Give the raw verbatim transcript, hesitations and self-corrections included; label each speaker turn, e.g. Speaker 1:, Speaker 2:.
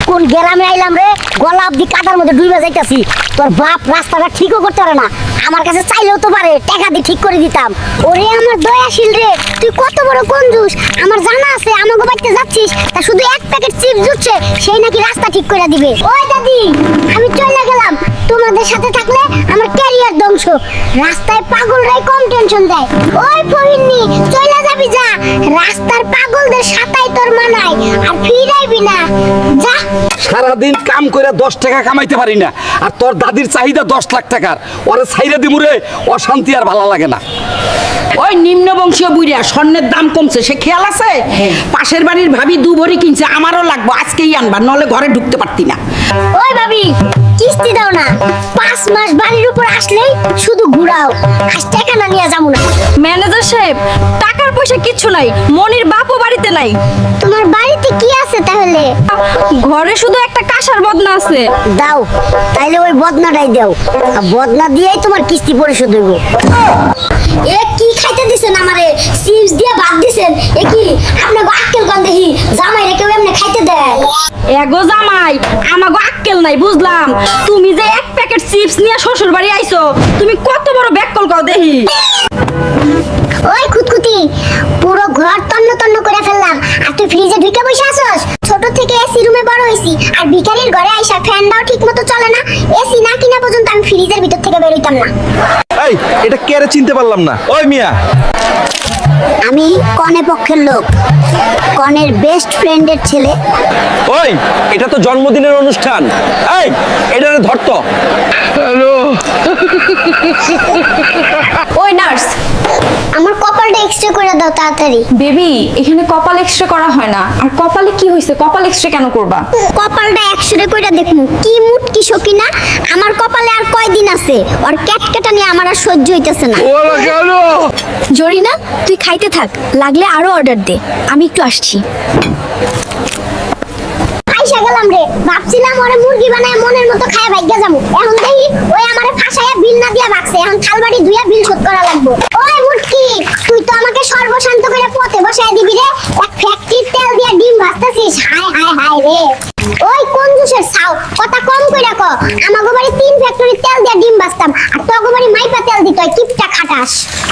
Speaker 1: কোন গ্রামে আইলাম রে, গলা অব্দি কাদার মধ্যে ডুবে যাইতাছি। তোর বাপ রাস্তাটা ঠিকও করতে পারে না, আমার কাছে চাইলেও তো পারে, টাকা দিয়ে ঠিক করে দিতাম। ওরে আমার দয়াশীল রে, তুই কত বড় কঞ্জুস। আমার জানা আছে আমাকে বাড়িতে যাচ্ছিস, তা শুধু এক প্যাকেট চিপস জুটছে, সেই নাকি রাস্তা ঠিক করে দিবে। ওই দাদি, আমি চলে গেলাম, তোমাদের সাথে থাকলে আমার ক্যারিয়ার ধ্বংস। রাস্তায় পাগলরাই কম টেনশন দেয়। ওই ফহিনী, চলে যাবি যা, রাস্তার পাগলদের সাথেই তোর মানায়, আর ফিরাইবি না, যা।
Speaker 2: সারাদিন কাম করে দশ টাকা কামাইতে পারি না, আর তোর দাদির চাহিদা দশ লাখ টাকার, ওরে ছাইরা দিমুরে, অশান্তি আর ভালো লাগে না।
Speaker 3: ওই নিম্ন বংশীয় বুইরা স্বর্ণের দাম কমছে, সে খেয়াল আছে? পাশের বাড়ির ভাবি দু ভরি কিনছে, আমারও লাগবো, আজকেই আনবা, নলে ঘরে ঢুকতে পারতি না।
Speaker 1: ওই ভাবি, কিস্তি দাও না, পাঁচ মাস বাড়ির উপর আসলেই শুধু ঘুরাও, আজ টাকা না নিয়ে যাবো না।
Speaker 4: ম্যানেজার সাহেব, টাকার পয়সা কিচ্ছু নাই, মনির বাপও বাড়িতে নাই।
Speaker 1: তোমার বাড়িতে কি আছে তাহলে?
Speaker 4: ঘরে শুধু একটা কাঁসার বদনা আছে।
Speaker 1: দাও, তাইলে ওই বদনাটাই দাও, আর বদনা দিয়েই তোমার কিস্তি পরিশোধ হইব। এ কি খাইতে দিছেন আমারে? চিপস দিয়ে ভাত দিছেন, এ কি আপনাকে আক্কেল কন দেখি? জামাই রে কেউ এমনি খাইতে দেয়?
Speaker 4: এগো জামাই, আমাগো আক্কেল নাই বুঝলাম। তুমি যে এক প্যাকেট চিপস নিয়ে শ্বশুর বাড়ি আইছো, তুমি কত বড় ব্যাককল কও দেখি।
Speaker 1: ওই খুতখুতি, পুরো ঘর তন্ন তন্ন করে ফেললাম, আর তুই ফ্রিজে ঢুকে বসে আছস? ছোট থেকে এসি রুমে বড় হইছি, আর ভিখারির ঘরে আইসা ফ্যানটাও ঠিক মতো চলে না। এসি না কিনা পর্যন্ত আমি ফ্রিজের ভিতর থেকে বের হইতাম না।
Speaker 5: এই, এটা কে রে, চিনতে পারলাম না। ওই মিয়া,
Speaker 1: আমি কনে পক্ষের লোক, কনের বেস্ট ফ্রেন্ডের ছেলে।
Speaker 5: ওই, এটা তো জন্মদিনের অনুষ্ঠান। এই, এটা ধরতো। হ্যালো।
Speaker 4: ওই নার্স,
Speaker 1: আমার কপালটা এক্সট্রা করে দাও তাড়াতাড়ি।
Speaker 4: বেবি, এখানে কপাল এক্সরে করা হয় না। আর কপালে কি হয়েছে? কপাল এক্সরে কেন করবা?
Speaker 1: কপালটা এক্সরে কইরা দেখমু কি মুট কি সকিনা। আমার কপালে আর কয়দিন আছে, আর ক্যাটকেটা নিয়ে আমার আর সহ্য হইতেছে না।
Speaker 5: ওরা কেন?
Speaker 4: জরিনা, তুই খাইতে থাক, লাগলে আরো অর্ডার দে, আমি একটু আসছি।
Speaker 1: আইসা গেলাম রে, ভাবছিলাম ওরে মুরগি বানায় মনের মতো খায় ভাগ্যা যাবো, এখন দেখি ওই আমারে ফাঁসাইয়া বিল না দিয়া ভাগছে, এখন থালবাড়ি ধুইয়া বিল শোধ করা লাগবো। ওই মুটকি, তুই তো আমাকে সর্বশান্ত করে পথে বসায় দিবি রে, এক ফ্যাক্টরির তেল দিয়া ডিম ভাজতেছিস, হায় হায় হায় রে। ওই কঞ্জুসের ছাও, কথা কম কইরা ক, আমাগো বাড়ি তিন ফ্যাক্টরির তেল দিয়া ডিম ভাজতাম, আর তোগো বাড়ি মাইপা তেল দিত, কিপটা খাটাস।